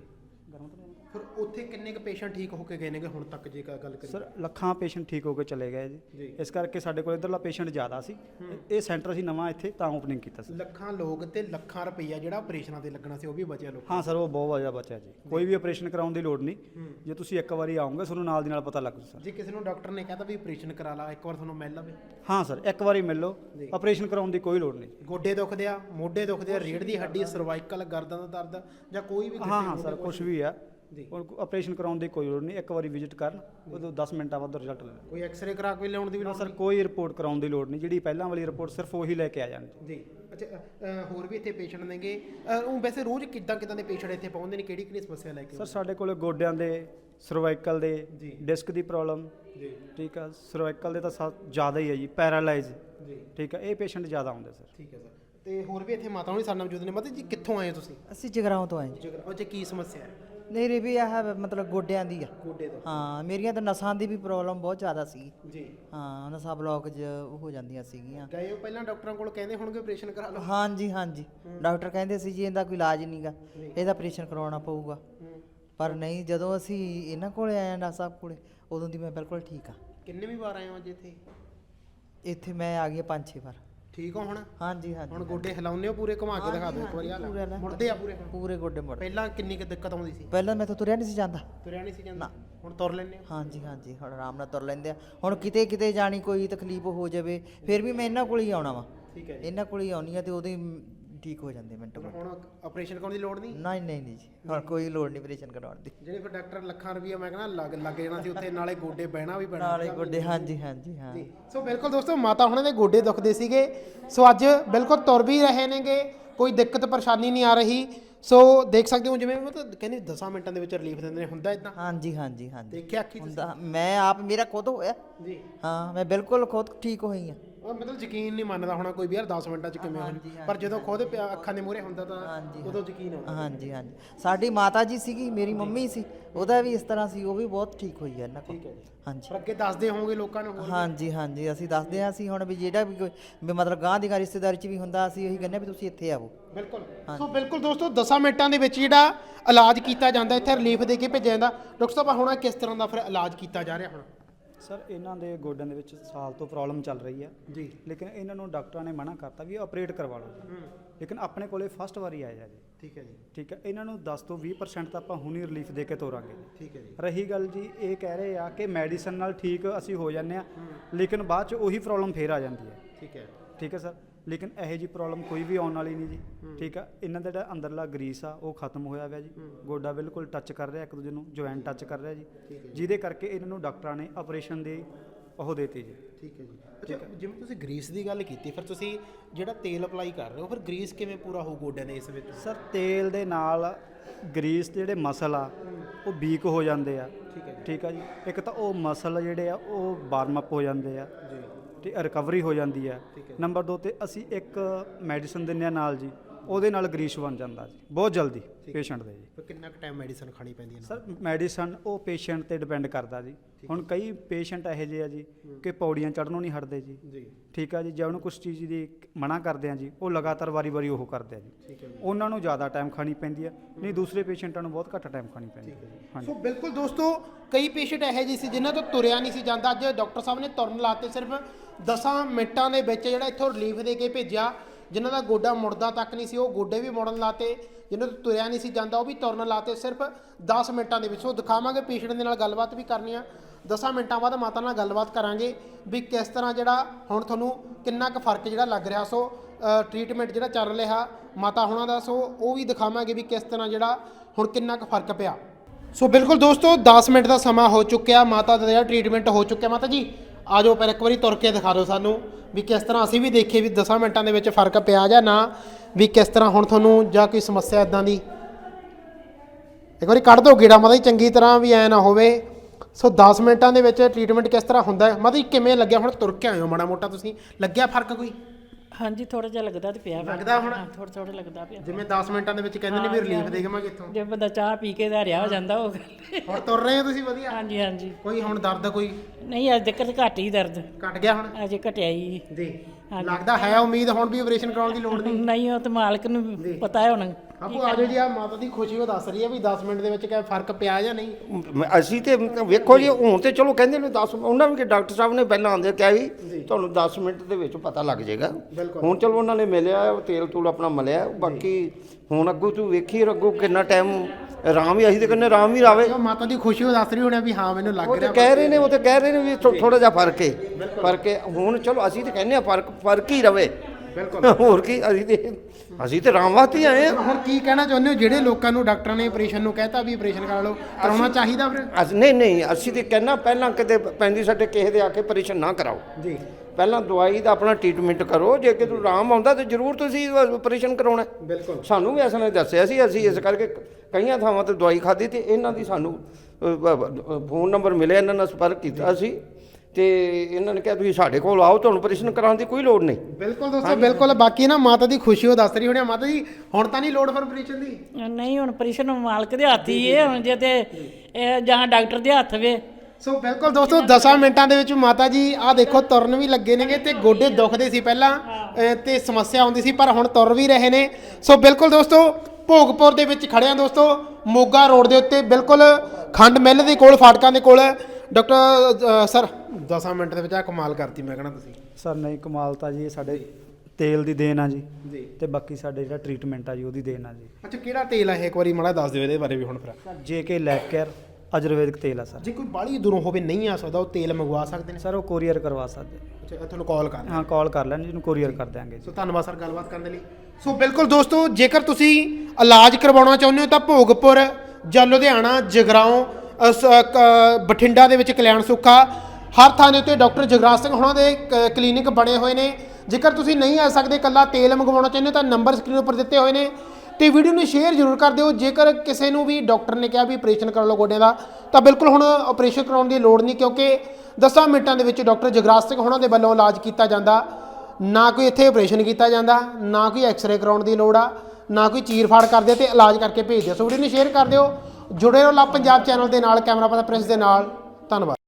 S1: ਫਿਰ ਉੱਥੇ ਕਿੰਨੇ ਕੁ ਪੇਸ਼ੈਂਟ ਠੀਕ ਹੋ ਕੇ ਗਏ ਨੇਗੇ ਹੁਣ ਤੱਕ ਜੇ ਗੱਲ ਕਰੀਏ?
S4: ਸਰ ਲੱਖਾਂ ਪੇਸ਼ੈਂਟ ਠੀਕ ਹੋ ਕੇ ਚਲੇ ਗਏ ਜੀ। ਇਸ ਕਰਕੇ ਸਾਡੇ ਕੋਲ ਇੱਧਰਲਾ ਪੇਸ਼ੈਂਟ ਜ਼ਿਆਦਾ ਸੀ। ਇਹ ਸੈਂਟਰ ਅਸੀਂ ਨਵਾਂ ਇੱਥੇ ਤਾਂ ਓਪਨਿੰਗ ਕੀਤਾ ਸੀ।
S1: ਲੱਖਾਂ ਲੋਕ ਤੇ ਲੱਖਾਂ ਰੁਪਈਆ ਜਿਹੜਾ ਆਪਰੇਸ਼ਨਾਂ ਤੇ ਲੱਗਣਾ ਸੀ ਉਹ ਵੀ ਬਚਿਆ ਲੋਕ।
S4: ਹਾਂ ਸਰ, ਉਹ ਬਹੁਤ ਵਧੀਆ ਬਚਿਆ ਜੀ। ਕੋਈ ਵੀ ਆਪਰੇਸ਼ਨ ਕਰਾਉਣ ਦੀ ਲੋੜ ਨਹੀਂ। ਜੇ ਤੁਸੀਂ ਇੱਕ ਵਾਰੀ ਆਓਗੇ ਤੁਹਾਨੂੰ ਨਾਲ ਦੀ ਨਾਲ ਪਤਾ ਲੱਗ ਜੂ ਸਰ।
S1: ਜੇ ਕਿਸੇ ਨੂੰ ਡਾਕਟਰ ਨੇ ਕਹਤਾ ਵੀ ਆਪਰੇਸ਼ਨ ਕਰਾ ਲਾ, ਇੱਕ ਵਾਰ ਤੁਹਾਨੂੰ ਮਿਲ ਲਵੇ?
S4: ਹਾਂ ਸਰ, ਇੱਕ ਵਾਰੀ ਮਿਲ ਲਓ, ਆਪਰੇਸ਼ਨ ਕਰਾਉਣ ਦੀ ਕੋਈ ਲੋੜ ਨਹੀਂ।
S1: ਗੋਡੇ ਦੁਖਦੇ ਆ, ਮੋਢੇ ਦੁਖਦੇ ਆ, ਰੀੜ੍ਹ ਦੀ ਹੱਡੀ, ਸਰਵਾਈਕਲ, ਗਰਦਨ ਦਾ ਦਰਦ ਜਾਂ ਕੋਈ ਵੀ?
S4: ਹਾਂ ਸਰ, ਕੁਝ ਵੀ ਆ, ਆਪਰੇਸ਼ਨ ਕਰਾਉਣ ਦੀ ਕੋਈ ਲੋੜ ਨਹੀਂ। ਇੱਕ ਵਾਰੀ ਵਿਜ਼ਿਟ ਕਰਨ, ਉਦੋਂ 10 ਮਿੰਟਾਂ ਬਾਅਦ ਰਿਜ਼ਲਟ ਲੈ ਲੈਣ।
S1: ਕੋਈ ਐਕਸ-ਰੇ ਕਰਾ ਕੇ ਲਿਆਉਣ ਦੀ ਵੀ ਲੋੜ
S4: ਸਰ ਕੋਈ ਰਿਪੋਰਟ ਕਰਾਉਣ ਦੀ ਲੋੜ ਨਹੀਂ। ਜਿਹੜੀ ਪਹਿਲਾਂ ਵਾਲੀ ਰਿਪੋਰਟ ਸਿਰਫ ਉਹੀ ਲੈ ਕੇ ਆ ਜਾਣ
S1: ਜੀ। ਅੱਛਾ, ਹੋਰ ਵੀ ਇੱਥੇ ਪੇਸ਼ੈਂਟ ਨੇਗੇ? ਉਹ ਵੈਸੇ ਰੋਜ਼ ਕਿੱਦਾਂ ਦੇ ਪੇਸ਼ੈਂਟ ਇੱਥੇ ਪਹੁੰਚਦੇ ਨੇ, ਕਿਹੜੀ ਸਮੱਸਿਆ ਲੈ ਕੇ?
S4: ਸਰ ਸਾਡੇ ਕੋਲ ਗੋਡਿਆਂ ਦੇ, ਸਰਵਾਈਕਲ ਦੇ, ਡਿਸਕ ਦੀ ਪ੍ਰੋਬਲਮ, ਠੀਕ ਆ, ਸਰਵਾਈਕਲ ਦੇ ਤਾਂ ਜ਼ਿਆਦਾ ਹੀ ਹੈ ਜੀ, ਪੈਰਾਲਾਈਜ਼, ਠੀਕ ਆ, ਇਹ ਪੇਸ਼ੈਂਟ ਜ਼ਿਆਦਾ ਆਉਂਦੇ ਸਰ।
S1: ਠੀਕ ਹੈ ਸਰ। ਤੇ ਹੋਰ ਵੀ ਇੱਥੇ ਮਾਤਾ ਹੋਣੀ ਸਾਡੇ ਨਾਲ ਮੌਜੂਦ ਨੇ। ਮਤਲਬ ਜੀ ਕਿੱਥੋਂ ਆਏ ਹੋ ਤੁਸੀਂ?
S5: ਅਸੀਂ ਜਗਰਾਓਂ ਤੋਂ ਆਏ ਜੀ।
S1: ਜਗਰਾਓਂ 'ਚ ਕੀ ਸਮੱਸਿਆ ਹੈ?
S5: ਮੇਰੇ ਵੀ ਆਹ ਮਤਲਬ ਗੋਡਿਆਂ ਦੀ ਆ।
S1: ਗੋਡੇ ਦਾ
S5: ਹਾਂ ਮੇਰੀਆਂ ਤਾਂ ਨਸਾਂ ਦੀ ਵੀ ਪ੍ਰੋਬਲਮ ਬਹੁਤ ਜ਼ਿਆਦਾ ਸੀ।
S1: ਜੀ।
S5: ਹਾਂ ਨਸਾਂ ਬਲੌਕ ਹੋ ਜਾਂਦੀਆਂ ਸੀਗੀਆਂ।
S1: ਗਏ ਹੋ ਪਹਿਲਾਂ ਡਾਕਟਰਾਂ ਕੋਲ, ਕਹਿੰਦੇ ਹੋਣਗੇ ਆਪਰੇਸ਼ਨ ਕਰਾ ਲਓ?
S5: ਹਾਂਜੀ ਹਾਂਜੀ ਡਾਕਟਰ ਕਹਿੰਦੇ ਸੀ ਜੀ ਇਹਦਾ ਕੋਈ ਇਲਾਜ ਨਹੀਂਗਾ, ਇਹਦਾ ਆਪਰੇਸ਼ਨ ਕਰਵਾਉਣਾ ਪਊਗਾ। ਪਰ ਨਹੀਂ, ਜਦੋਂ ਅਸੀਂ ਇਹਨਾਂ ਕੋਲੇ ਆਏ ਡਾਕਟਰ ਸਾਹਿਬ ਕੋਲੇ, ਉਦੋਂ ਦੀ ਮੈਂ ਬਿਲਕੁਲ ਠੀਕ ਆ।
S1: ਕਿੰਨੇ ਵੀ ਵਾਰ ਆਏ ਹੋ ਅੱਜ ਇੱਥੇ?
S5: ਇੱਥੇ ਮੈਂ ਆ ਗਈ 5-6 ਵਾਰ।
S1: ਠੀਕ ਹੋ ਹੁਣ?
S5: ਹਾਂਜੀ ਹਾਂਜੀ
S1: ਹੁਣ ਗੋਡੇ ਹਿਲਾਉਂਦੇ ਹੋ ਪੂਰੇ, ਘੁਮਾ ਕੇ ਦਿਖਾ ਦਿਓ ਇੱਕ ਵਾਰੀ। ਆ
S5: ਪੂਰੇ ਲੈ।
S1: ਮੁੜਦੇ ਆ ਪੂਰੇ ਹੁਣ?
S5: ਪੂਰੇ ਗੋਡੇ ਮੁੜ।
S1: ਪਹਿਲਾਂ ਕਿੰਨੀ ਕੁ ਦਿੱਕਤ ਆਉਂਦੀ ਸੀ?
S5: ਪਹਿਲਾਂ ਮੈਂ ਤਾਂ ਤੁਰਿਆ ਨਹੀਂ ਸੀ ਜਾਂਦਾ।
S1: ਤੁਰਿਆ ਨਹੀਂ ਸੀ ਜਾਂਦਾ? ਹੁਣ ਤੁਰ ਲੈਂਦੇ ਹੋ?
S5: ਹਾਂਜੀ ਹਾਂਜੀ ਹੁਣ ਆਰਾਮ ਨਾਲ ਤੁਰ ਲੈਂਦੇ ਆ। ਹੁਣ ਕਿਤੇ ਕਿਤੇ ਜਾਣੀ ਕੋਈ ਤਕਲੀਫ ਹੋ ਜਾਵੇ ਫਿਰ ਵੀ ਮੈਂ ਇਹਨਾਂ ਕੋਲ ਹੀ ਆਉਣਾ ਵਾ।
S1: ਠੀਕ ਹੈ ਜੀ।
S5: ਇਹਨਾਂ ਕੋਲ ਹੀ ਆਉਣੀ ਆ ਤੇ ਉਹਦੇ ਠੀਕ ਹੋ ਜਾਂਦੇ ਮਿੰਟ ਬਾਅਦ।
S1: ਹੁਣ ਆਪਰੇਸ਼ਨ ਕਰਾਉਣ ਦੀ ਲੋੜ ਨਹੀਂ?
S5: ਨਹੀਂ ਨਹੀਂ ਨਹੀਂ ਜੀ ਹੁਣ ਕੋਈ ਲੋੜ ਨਹੀਂ ਆਪਰੇਸ਼ਨ ਕਰਾਉਣ ਦੀ।
S1: ਜਿਹੜੇ ਫਿਰ ਡਾਕਟਰ ਲੱਖਾਂ ਰੁਪਈਆ ਮੈਂ ਕਹਿੰਦਾ ਲੱਗ ਜਾਣਾ ਸੀ ਉੱਥੇ, ਨਾਲੇ ਗੋਡੇ ਬਹਿਣਾ ਵੀ ਪੈਣਾ
S5: ਨਾਲੇ ਗੋਡੇ। ਹਾਂਜੀ ਹਾਂਜੀ ਹਾਂ
S1: ਜੀ। ਸੋ ਬਿਲਕੁਲ ਦੋਸਤੋ, ਮਾਤਾ ਹੁਣਾਂ ਦੇ ਗੋਡੇ ਦੁਖਦੇ ਸੀਗੇ, ਸੋ ਅੱਜ ਬਿਲਕੁਲ ਤੁਰ ਵੀ ਰਹੇ ਨੇਗੇ, ਕੋਈ ਦਿੱਕਤ ਪਰੇਸ਼ਾਨੀ ਨਹੀਂ ਆ ਰਹੀ। ਸੋ ਦੇਖ ਸਕਦੇ ਹੋ, ਜਿਵੇਂ ਮਤਲਬ ਕਹਿੰਦੇ 10 ਮਿੰਟਾਂ ਦੇ ਵਿੱਚ ਰਿਲੀਫ ਦਿੰਦੇ ਨੇ, ਹੁੰਦਾ ਇਦਾਂ?
S5: ਹਾਂਜੀ ਹਾਂਜੀ ਹਾਂਜੀ
S1: ਦੇਖਿਆ ਅੱਖੀ ਤੁਸੀਂ?
S5: ਹੁੰਦਾ। ਮੈਂ ਆਪ ਮੇਰਾ ਖੁਦ ਹੋਇਆ
S1: ਜੀ।
S5: ਹਾਂ ਮੈਂ ਬਿਲਕੁਲ ਖੁਦ ਠੀਕ ਹੋਈ ਆ।
S1: ਉਹ ਮਤਲਬ ਯਕੀਨ ਨਹੀਂ ਮੰਨਦਾ ਹੋਣਾ ਕੋਈ ਵੀ ਯਾਰ 10 ਮਿੰਟਾਂ 'ਚ ਕਿਵੇਂ ਹੋ ਜਾਊ, ਪਰ ਜਦੋਂ ਖੁਦ ਅੱਖਾਂ ਦੇ ਮੂਹਰੇ ਹੁੰਦਾ ਤਾਂ ਉਦੋਂ ਯਕੀਨ ਆਉਂਦਾ।
S5: ਹਾਂਜੀ ਹਾਂਜੀ ਸਾਡੀ ਮਾਤਾ ਜੀ ਸੀਗੀ, ਮੇਰੀ ਮੰਮੀ ਸੀ, ਉਹਦਾ ਵੀ ਇਸ ਤਰ੍ਹਾਂ ਸੀ, ਉਹ ਵੀ ਬਹੁਤ ਠੀਕ ਹੋਈ ਹੈ ਇਹਨਾਂ ਕੋਲ।
S1: ਠੀਕ ਹੈ ਜੀ।
S5: ਹਾਂਜੀ
S1: ਪਰ ਅੱਗੇ ਦੱਸਦੇ ਹੋਵੋਗੇ ਲੋਕਾਂ ਨੂੰ ਹੋਰ?
S5: ਹਾਂਜੀ ਹਾਂਜੀ ਅਸੀਂ ਦੱਸਦੇ ਹਾਂ। ਅਸੀਂ ਹੁਣ ਵੀ ਜਿਹੜਾ ਵੀ ਕੋਈ ਵੀ ਮਤਲਬ ਗਾਂ ਦੀ ਰਿਸ਼ਤੇਦਾਰੀ 'ਚ ਵੀ ਹੁੰਦਾ, ਅਸੀਂ ਉਹੀ ਕਹਿੰਦੇ ਵੀ ਤੁਸੀਂ ਇੱਥੇ ਆਵੋ।
S1: ਬਿਲਕੁਲ। ਸੋ ਬਿਲਕੁਲ ਦੋਸਤੋ, 10 ਮਿੰਟਾਂ ਦੇ ਵਿੱਚ ਜਿਹੜਾ ਇਲਾਜ ਕੀਤਾ ਜਾਂਦਾ, ਇੱਥੇ ਰਿਲੀਫ ਦੇ ਕੇ ਭੇਜਿਆ ਜਾਂਦਾ। ਡਾਕਟਰ ਸਾਹਿਬ ਹੁਣ ਕਿਸ ਤਰ੍ਹਾਂ ਦਾ ਫਿਰ ਇਲਾਜ ਕੀਤਾ ਜਾ ਰਿਹਾ ਹੁਣ?
S4: ਸਰ ਇਹਨਾਂ ਦੇ ਗੋਡਿਆਂ ਦੇ ਵਿੱਚ ਸਾਲ ਤੋਂ ਪ੍ਰੋਬਲਮ ਚੱਲ ਰਹੀ ਹੈ
S1: ਜੀ।
S4: ਲੇਕਿਨ ਇਹਨਾਂ ਨੂੰ ਡਾਕਟਰਾਂ ਨੇ ਮਨਾ ਕਰਤਾ ਵੀ ਆਪਰੇਟ ਕਰਵਾ ਲਓ। ਲੇਕਿਨ ਆਪਣੇ ਕੋਲੇ ਫਸਟ ਵਾਰੀ ਆਇਆ ਜੀ।
S1: ਠੀਕ ਹੈ ਜੀ।
S4: ਠੀਕ ਹੈ, ਇਹਨਾਂ ਨੂੰ 10 ਤੋਂ 20% ਤਾਂ ਆਪਾਂ ਹੁਣੀ ਰਿਲੀਫ ਦੇ ਕੇ ਤੋਰਾਂਗੇ।
S1: ਠੀਕ ਹੈ ਜੀ।
S4: ਰਹੀ ਗੱਲ ਜੀ, ਇਹ ਕਹਿ ਰਹੇ ਆ ਕਿ ਮੈਡੀਸਨ ਨਾਲ ਠੀਕ ਅਸੀਂ ਹੋ ਜਾਂਦੇ ਆ, ਲੇਕਿਨ ਬਾਅਦ 'ਚ ਉਹੀ ਪ੍ਰੋਬਲਮ ਫੇਰ ਆ ਜਾਂਦੀ ਹੈ।
S1: ਠੀਕ ਹੈ।
S4: ਠੀਕ ਹੈ ਸਰ, ਲੇਕਿਨ ਇਹੋ ਜੀ ਪ੍ਰੋਬਲਮ ਕੋਈ ਵੀ ਆਉਣ ਵਾਲੀ ਨਹੀਂ ਜੀ। ਠੀਕ ਆ, ਇਹਨਾਂ ਦਾ ਜਿਹੜਾ ਅੰਦਰਲਾ ਗਰੀਸ ਆ ਉਹ ਖਤਮ ਹੋਇਆ ਹੋਇਆ ਜੀ। ਗੋਡਾ ਬਿਲਕੁਲ ਟੱਚ ਕਰ ਰਿਹਾ ਇੱਕ ਦੂਜੇ ਨੂੰ, ਜੁਆਇੰਟ ਟੱਚ ਕਰ ਰਿਹਾ ਜੀ, ਜਿਹਦੇ ਕਰਕੇ ਇਹਨਾਂ ਨੂੰ ਡਾਕਟਰਾਂ ਨੇ ਆਪਰੇਸ਼ਨ ਦੇ ਉਹ ਦੇਤੀ ਜੀ।
S1: ਠੀਕ ਹੈ ਜੀ। ਅੱਛਾ, ਜਿਵੇਂ ਤੁਸੀਂ ਗਰੀਸ ਦੀ ਗੱਲ ਕੀਤੀ, ਫਿਰ ਤੁਸੀਂ ਜਿਹੜਾ ਤੇਲ ਅਪਲਾਈ ਕਰ ਰਹੇ ਹੋ, ਫਿਰ ਗਰੀਸ ਕਿਵੇਂ ਪੂਰਾ ਹੋ ਗੋਡਿਆਂ ਦੇ ਇਸ ਵਿੱਚ?
S4: ਸਰ ਤੇਲ ਦੇ ਨਾਲ ਗਰੀਸ ਦੇ ਜਿਹੜੇ ਮਸਲ ਆ ਉਹ ਵੀਕ ਹੋ ਜਾਂਦੇ ਆ।
S1: ਠੀਕ ਹੈ।
S4: ਠੀਕ ਆ ਜੀ, ਇੱਕ ਤਾਂ ਉਹ ਮਸਲ ਜਿਹੜੇ ਆ ਉਹ ਵਾਰਮ ਅਪ ਹੋ ਜਾਂਦੇ ਆ
S1: ਜੀ।
S4: ਤੇ ਰਿਕਵਰੀ ਹੋ ਜਾਂਦੀ ਹੈ। ਨੰਬਰ 2 ਤੇ ਅਸੀਂ ਇੱਕ ਮੈਡੀਸਨ ਦਿੰਦੇ ਆ ਨਾਲ ਜੀ, ਉਹਦੇ ਨਾਲ ਗਰੀਸ ਬਣ ਜਾਂਦਾ ਜੀ ਬਹੁਤ ਜਲਦੀ ਪੇਸ਼ੈਂਟ ਦੇ ਜੀ।
S1: ਫਿਰ ਕਿੰਨਾ ਕੁ ਟਾਈਮ ਮੈਡੀਸਨ ਖਾਣੀ ਪੈਂਦੀ ਹੈ?
S4: ਸਰ ਮੈਡੀਸਨ ਉਹ ਪੇਸ਼ੈਂਟ ਤੇ ਡਿਪੈਂਡ ਕਰਦਾ ਜੀ। ਹੁਣ ਕਈ ਪੇਸ਼ੈਂਟ ਇਹੋ ਜਿਹੇ ਆ ਜੀ ਕਿ ਪੌੜੀਆਂ ਚੜ੍ਹਨੋਂ ਨਹੀਂ ਹਟਦੇ ਜੀ।
S1: ਜੀ।
S4: ਠੀਕ ਆ ਜੀ, ਜੇ ਉਹਨੂੰ ਕੁਝ ਚੀਜ਼ ਦੀ ਮਨਾ ਕਰਦੇ ਆ ਜੀ, ਉਹ ਲਗਾਤਾਰ ਵਾਰੀ-ਵਾਰੀ ਉਹ ਕਰਦੇ ਆ ਜੀ।
S1: ਠੀਕ ਹੈ ਜੀ।
S4: ਉਹਨਾਂ ਨੂੰ ਜ਼ਿਆਦਾ ਟਾਈਮ ਖਾਣੀ ਪੈਂਦੀ ਹੈ, ਨਹੀਂ ਦੂਸਰੇ ਪੇਸ਼ੈਂਟਾਂ ਨੂੰ ਬਹੁਤ ਘੱਟ ਟਾਈਮ ਖਾਣੀ ਪੈਂਦੀ ਹੈ। ਹਾਂਜੀ।
S1: ਸੋ ਬਿਲਕੁਲ ਦੋਸਤੋ, ਕਈ ਪੇਸ਼ੈਂਟ ਇਹੋ ਜਿਹੇ ਸੀ ਜਿਨ੍ਹਾਂ ਤੋਂ ਤੁਰਿਆ ਨਹੀਂ ਸੀ ਜਾਂਦਾ, ਅੱਜ ਡਾਕਟਰ ਸਾਹਿਬ ਨੇ ਤੁਰਨ ਲਾਤੇ ਸਿਰਫ 10 ਮਿੰਟਾਂ ਦੇ ਵਿੱਚ, ਜਿਹੜਾ ਇੱਥੋਂ ਰਿਲੀਫ ਦੇ ਕੇ ਭੇਜਿਆ। ਜਿਨ੍ਹਾਂ ਦਾ ਗੋਡਾ ਮੁੜਦਾ ਤੱਕ ਨਹੀਂ ਸੀ, ਉਹ ਗੋਡੇ ਵੀ ਮੁੜਨ ਲਾਤੇ। ਜਿਨ੍ਹਾਂ ਤੋਂ ਤੁਰਿਆ ਨਹੀਂ ਸੀ ਜਾਂਦਾ, ਉਹ ਵੀ ਤੁਰਨ ਲਾਤੇ ਸਿਰਫ 10 ਮਿੰਟਾਂ ਦੇ ਵਿੱਚ। ਸੋ ਦਿਖਾਵਾਂਗੇ ਪੇਸ਼ੈਂਟ ਦੇ ਨਾਲ ਗੱਲਬਾਤ ਵੀ ਕਰਨੀ ਆ। 10 ਮਿੰਟਾਂ ਬਾਅਦ ਮਾਤਾ ਨਾਲ ਗੱਲਬਾਤ ਕਰਾਂਗੇ ਵੀ ਕਿਸ ਤਰ੍ਹਾਂ ਜਿਹੜਾ ਹੁਣ ਤੁਹਾਨੂੰ ਕਿੰਨਾ ਕੁ ਫਰਕ ਜਿਹੜਾ ਲੱਗ ਰਿਹਾ। ਸੋ ਟ੍ਰੀਟਮੈਂਟ ਜਿਹੜਾ ਚੱਲ ਰਿਹਾ ਮਾਤਾ ਹੁਣਾਂ ਦਾ, ਸੋ ਉਹ ਵੀ ਦਿਖਾਵਾਂਗੇ ਵੀ ਕਿਸ ਤਰ੍ਹਾਂ ਜਿਹੜਾ ਹੁਣ ਕਿੰਨਾ ਕੁ ਫਰਕ ਪਿਆ। ਸੋ ਬਿਲਕੁਲ ਦੋਸਤੋ, 10 ਮਿੰਟ ਦਾ ਸਮਾਂ ਹੋ ਚੁੱਕਿਆ, ਮਾਤਾ ਦਾ ਜਿਹੜਾ ਟ੍ਰੀਟਮੈਂਟ ਹੋ ਚੁੱਕਿਆ। ਮਾਤਾ ਜੀ ਆ ਜਾਓ, ਪਰ ਇੱਕ ਵਾਰੀ ਤੁਰ ਕੇ ਦਿਖਾ ਦਿਓ ਸਾਨੂੰ ਵੀ ਕਿਸ ਤਰ੍ਹਾਂ ਅਸੀਂ ਵੀ ਦੇਖੀਏ ਵੀ 10 ਮਿੰਟਾਂ ਦੇ ਵਿੱਚ ਫਰਕ ਪਿਆ ਜਾਂ ਨਾ, ਵੀ ਕਿਸ ਤਰ੍ਹਾਂ ਹੁਣ ਤੁਹਾਨੂੰ ਜਾਂ ਕੋਈ ਸਮੱਸਿਆ ਇਦਾਂ ਦੀ। ਇੱਕ ਵਾਰੀ ਕੱਢ ਦਿਓ ਗੇੜਾ ਮਾਤਾ ਜੀ ਚੰਗੀ ਤਰ੍ਹਾਂ, ਵੀ ਐ ਨਾ ਹੋਵੇ। ਸੋ 10 ਮਿੰਟਾਂ ਦੇ ਵਿੱਚ ਟ੍ਰੀਟਮੈਂਟ ਕਿਸ ਤਰ੍ਹਾਂ ਹੁੰਦਾ ਹੈ? ਮਾਤਾ ਜੀ ਕਿਵੇਂ ਲੱਗਿਆ? ਹੁਣ ਤੁਰ ਕੇ ਆਏ ਹੋ, ਮਾੜਾ ਮੋਟਾ ਤੁਸੀਂ ਲੱਗਿਆ ਫਰਕ ਕੋਈ?
S2: ਹਾਂਜੀ ਥੋੜਾ ਜਿਹਾ ਲੱਗਦਾ ਤੇ ਪਿਆ
S1: ਲੱਗਦਾ ਹੁਣ?
S2: ਥੋੜਾ ਲੱਗਦਾ ਪਿਆ।
S1: ਜਿਵੇਂ 10 ਮਿੰਟਾਂ ਦੇ ਵਿੱਚ ਕਹਿੰਦੇ ਨੇ ਵੀ ਰਿਲੀਫ ਦੇਵਾਂਗੇ ਇੱਥੋਂ,
S2: ਜੇ ਬੰਦਾ ਚਾਹ ਪੀ ਕੇ ਦਾ ਰਿਹਾ ਹੋ ਜਾਂਦਾ ਉਹ ਗੱਲ।
S1: ਹੁਣ ਤੁਰ ਰਹੇ ਹੋ ਤੁਸੀਂ ਵਧੀਆ?
S2: ਹਾਂਜੀ ਹਾਂਜੀ।
S1: ਕੋਈ ਹੁਣ ਦਰਦ ਕੋਈ
S2: ਨਹੀਂ ਅੱਜ ਤੱਕ ਘੱਟ ਹੀ ਦਰਦ,
S1: ਘਟ ਗਿਆ ਹੁਣ?
S2: ਅਜੇ ਘਟਿਆ ਹੀ
S1: ਜੀ। ਲੱਗਦਾ ਹੈ ਉਮੀਦ ਹੁਣ ਵੀ ਆਪਰੇਸ਼ਨ ਕਰਾਉਣ ਦੀ ਲੋੜ ਨਹੀਂ?
S2: ਨਹੀਂ, ਉਹ ਤਾਂ ਮਾਲਕ ਨੂੰ ਪਤਾ ਹੈ ਹੁਣ।
S1: ਆਪੋ ਆਜੋ ਜੀ, ਆ ਮਾਤਾ ਦੀ ਖੁਸ਼ੀ ਉਹ ਦੱਸ ਰਹੀ ਹੈ ਵੀ 10 ਮਿੰਟ ਦੇ ਵਿੱਚ ਕਿਆ ਫਰਕ ਪਿਆ ਜਾਂ ਨਹੀਂ।
S3: ਅਸੀਂ ਤੇ ਵੇਖੋ ਜੀ, ਹੁਣ ਤੇ ਚਲੋ ਕਹਿੰਦੇ ਨੇ 10, ਉਹਨਾਂ ਵੀ ਕਿ ਡਾਕਟਰ ਸਾਹਿਬ ਨੇ ਪਹਿਲਾਂ ਆਉਂਦੇ ਕਿਹਾ ਵੀ ਤੁਹਾਨੂੰ 10 ਮਿੰਟ ਦੇ ਵਿੱਚ ਪਤਾ ਲੱਗ ਜਾਏਗਾ। ਹੁਣ ਚਲੋ ਉਹਨਾਂ ਨੇ ਮਿਲਿਆ, ਉਹ ਤੇਲ ਤੂਲ ਆਪਣਾ ਮਲਿਆ, ਬਾਕੀ ਹੁਣ ਅੱਗੋਂ ਤੂੰ ਵੇਖੀ ਅੱਗੋਂ ਕਿੰਨਾ ਟਾਈਮ ਆਰਾਮ ਵੀ, ਅਸੀਂ ਤੇ ਕਹਿੰਦੇ ਆਰਾਮ ਵੀ ਆਵੇ।
S1: ਮਾਤਾ ਦੀ ਖੁਸ਼ੀ ਉਹ ਦੱਸ ਰਹੀ ਹੋਣੀ ਵੀ ਹਾਂ ਮੈਨੂੰ ਲੱਗ
S3: ਉਹ ਤੇ
S1: ਰਿਹਾ।
S3: ਕਹਿ ਰਹੇ ਨੇ, ਉਹ ਤੇ ਕਹਿ ਰਹੇ ਨੇ ਵੀ ਥੋੜਾ ਜਿਹਾ ਫਰਕ ਹੈ। ਹੁਣ ਚਲੋ ਅਸੀਂ ਤੇ ਕਹਿੰਦੇ ਆ ਫਰਕ ਹੀ ਰਵੇ।
S1: ਬਿਲਕੁਲ।
S3: ਹੋਰ ਕੀ, ਅਸੀਂ ਤੇ ਆਰਾਮ ਵਾਸਤੇ ਆਏ ਆ।
S1: ਹੁਣ ਕੀ ਕਹਿਣਾ ਚਾਹੁੰਦੇ ਹੋ ਜਿਹੜੇ ਲੋਕਾਂ ਨੂੰ ਡਾਕਟਰਾਂ ਨੇ ਆਪਰੇਸ਼ਨ ਨੂੰ ਕਹਿਤਾ ਵੀ ਆਪਰੇਸ਼ਨ ਕਰਾ ਲਓ, ਕਰਾਉਣਾ ਚਾਹੀਦਾ ਫਿਰ?
S3: ਨਹੀਂ, ਅਸੀਂ ਤੇ ਕਹਿਣਾ ਪਹਿਲਾਂ ਕਿਤੇ ਪੈਂਦੀ ਸਾਡੇ ਕਿਸੇ ਦੇ ਆ ਕੇ ਆਪਰੇਸ਼ਨ ਨਾ ਕਰਾਓ
S1: ਜੀ।
S3: ਪਹਿਲਾਂ ਦਵਾਈ ਦਾ ਆਪਣਾ ਟ੍ਰੀਟਮੈਂਟ ਕਰੋ, ਜੇ ਕਿ ਤੁਹਾਨੂੰ ਆਰਾਮ ਆਉਂਦਾ ਤੇ ਜ਼ਰੂਰ ਤੁਸੀਂ ਆਪਰੇਸ਼ਨ ਕਰਾਉਣਾ।
S1: ਬਿਲਕੁਲ।
S3: ਸਾਨੂੰ ਵੀ ਅਸਾਂ ਨੇ ਦੱਸਿਆ ਸੀ, ਅਸੀਂ ਇਸ ਕਰਕੇ ਕਈਆਂ ਥਾਵਾਂ ਤੇ ਦਵਾਈ ਖਾਧੀ ਤੇ ਇਹਨਾਂ ਦੀ ਸਾਨੂੰ ਫੋਨ ਨੰਬਰ ਮਿਲਿਆ, ਇਹਨਾਂ ਨਾਲ ਸੰਪਰਕ ਕੀਤਾ ਸੀ ਤੇ ਇਹਨਾਂ ਨੇ ਕਿਹਾ ਤੁਸੀਂ ਸਾਡੇ ਕੋਲ ਆਓ, ਤੁਹਾਨੂੰ ਆਪਰੇਸ਼ਨ ਕਰਾਉਣ ਦੀ ਕੋਈ ਲੋੜ ਨਹੀਂ।
S1: ਬਿਲਕੁਲ ਦੋਸਤੋ, ਬਿਲਕੁਲ। ਬਾਕੀ ਨਾ ਮਾਤਾ ਦੀ ਖੁਸ਼ੀ ਉਹ ਦੱਸ ਰਹੀ ਹੋਣੀ ਆ। ਮਾਤਾ ਜੀ ਹੁਣ ਤਾਂ ਨਹੀਂ ਲੋੜ ਫਿਰ ਆਪਰੇਸ਼ਨ ਦੀ?
S2: ਨਹੀਂ, ਹੁਣ ਆਪਰੇਸ਼ਨ ਮਾਲਕ ਦੇ ਹੱਥ ਹੀ ਹੈ, ਹੁਣ ਜੇ ਤੇ ਇਹ ਜਾਂ ਡਾਕਟਰ ਦੇ ਹੱਥ ਵੇ।
S1: ਸੋ ਬਿਲਕੁਲ ਦੋਸਤੋ, 10 ਮਿੰਟਾਂ ਦੇ ਵਿੱਚ ਮਾਤਾ ਜੀ ਆਹ ਦੇਖੋ ਤੁਰਨ ਵੀ ਲੱਗੇ ਨੇਗੇ ਤੇ ਗੋਡੇ ਦੁਖਦੇ ਸੀ ਪਹਿਲਾਂ ਤੇ ਸਮੱਸਿਆ ਆਉਂਦੀ ਸੀ, ਪਰ ਹੁਣ ਤੁਰ ਵੀ ਰਹੇ ਨੇ। ਸੋ ਬਿਲਕੁਲ ਦੋਸਤੋ, ਭੋਗਪੁਰ ਦੇ ਵਿੱਚ ਖੜੇ ਆ ਦੋਸਤੋ, ਮੋਗਾ ਰੋਡ ਦੇ ਉੱਤੇ, ਬਿਲਕੁਲ ਖੰਡ ਮਿੱਲ ਦੇ ਕੋਲ, ਫਾਟਕਾਂ ਦੇ ਕੋਲ। ਡਾਕਟਰ ਸਰ 10 ਮਿੰਟ ਦੇ ਵਿੱਚ ਆ ਕਮਾਲ ਕਰਤੀ ਮੈਂ ਕਹਿਣਾ ਤੁਸੀਂ।
S4: ਸਰ ਨਹੀਂ, ਕਮਾਲ ਤਾਂ ਜੀ ਇਹ ਸਾਡੇ ਤੇਲ ਦੀ ਦੇਣ ਆ ਜੀ, ਤੇ ਬਾਕੀ ਸਾਡੇ ਜਿਹੜਾ ਟ੍ਰੀਟਮੈਂਟ ਆ ਜੀ ਉਹਦੀ ਦੇਣ ਆ ਜੀ।
S1: ਅੱਛਾ, ਕਿਹੜਾ ਤੇਲ ਆ ਇਹ? ਇੱਕ ਵਾਰੀ ਮਾੜਾ ਦੱਸ ਦਿਓ ਇਹਦੇ ਬਾਰੇ ਵੀ ਹੁਣ ਫਿਰ।
S4: JK ਲੈਕ ਕੇਅਰ ਆਯੁਰਵੈਦਿਕ ਤੇਲ ਆ ਸਰ।
S1: ਜੇ ਕੋਈ ਬਾਹਲੀ ਦੂਰੋਂ ਹੋਵੇ, ਨਹੀਂ ਆ ਸਕਦਾ, ਉਹ ਤੇਲ ਮੰਗਵਾ ਸਕਦੇ ਨੇ?
S4: ਸਰ ਉਹ ਕੋਰੀਅਰ ਕਰਵਾ ਸਕਦੇ।
S1: ਅੱਛਾ, ਤੁਹਾਨੂੰ ਕਾਲ ਕਰ।
S4: ਹਾਂ, ਕਾਲ ਕਰ ਲੈਣ, ਜਿਹਨੂੰ ਕੋਰੀਅਰ ਕਰ ਦਿਆਂਗੇ ਜੀ।
S1: ਸੋ ਧੰਨਵਾਦ ਸਰ ਗੱਲਬਾਤ ਕਰਨ ਦੇ ਲਈ। ਸੋ ਬਿਲਕੁਲ ਦੋਸਤੋ, ਜੇਕਰ ਤੁਸੀਂ ਇਲਾਜ ਕਰਵਾਉਣਾ ਚਾਹੁੰਦੇ ਹੋ ਤਾਂ ਭੋਗਪੁਰ ਜਾਂ ਲੁਧਿਆਣਾ, ਜਗਰਾਓਂ, ਬਠਿੰਡਾ ਦੇ ਵਿੱਚ ਕਲਿਆਣ ਸੁੱਖਾ, ਹਰ ਥਾਂ ਦੇ ਉੱਤੇ ਡਾਕਟਰ ਜਗਰਾਜ ਸਿੰਘ ਹੁਣਾਂ ਦੇ ਕਲੀਨਿਕ ਬਣੇ ਹੋਏ ਨੇ। ਜੇਕਰ ਤੁਸੀਂ ਨਹੀਂ ਆ ਸਕਦੇ, ਇਕੱਲਾ ਤੇਲ ਮੰਗਵਾਉਣਾ ਚਾਹੁੰਦੇ ਹੋ ਤਾਂ ਨੰਬਰ ਸਕਰੀਨ ਉੱਪਰ ਦਿੱਤੇ ਹੋਏ ਨੇ ਤੇ ਵੀਡੀਓ ਨੂੰ ਸ਼ੇਅਰ ਜ਼ਰੂਰ ਕਰ ਦਿਓ। ਜੇਕਰ ਕਿਸੇ ਨੂੰ ਵੀ ਡਾਕਟਰ ਨੇ ਕਿਹਾ ਵੀ ਆਪਰੇਸ਼ਨ ਕਰ ਲਓ ਗੋਡਿਆਂ ਦਾ, ਤਾਂ ਬਿਲਕੁਲ ਹੁਣ ਆਪਰੇਸ਼ਨ ਕਰਾਉਣ ਦੀ ਲੋੜ ਨਹੀਂ, ਕਿਉਂਕਿ 10 ਮਿੰਟਾਂ ਦੇ ਵਿੱਚ ਡਾਕਟਰ ਜਗਰਾਜ ਸਿੰਘ ਹੁਣਾਂ ਦੇ ਵੱਲੋਂ ਇਲਾਜ ਕੀਤਾ ਜਾਂਦਾ। ਨਾ ਕੋਈ ਇੱਥੇ ਆਪਰੇਸ਼ਨ ਕੀਤਾ ਜਾਂਦਾ, ਨਾ ਕੋਈ ਐਕਸ-ਰੇ ਕਰਾਉਣ ਦੀ ਲੋੜ ਆ, ਨਾ ਕੋਈ ਚੀਰ ਫਾੜ ਕਰਦੇ ਤੇ ਇਲਾਜ ਕਰਕੇ ਭੇਜਦੇ। ਸੋ ਵੀਡੀਓ ਨੂੰ ਸ਼ੇਅਰ ਕਰ ਦਿਓ। ਜੁੜੇ ਰਹੋ ਲਵ ਪੰਜਾਬ ਚੈਨਲ ਦੇ ਨਾਲ, ਕੈਮਰਾ ਪਰਸਨ ਪ੍ਰਿੰਸ ਦੇ ਨਾਲ। ਧੰਨਵਾਦ।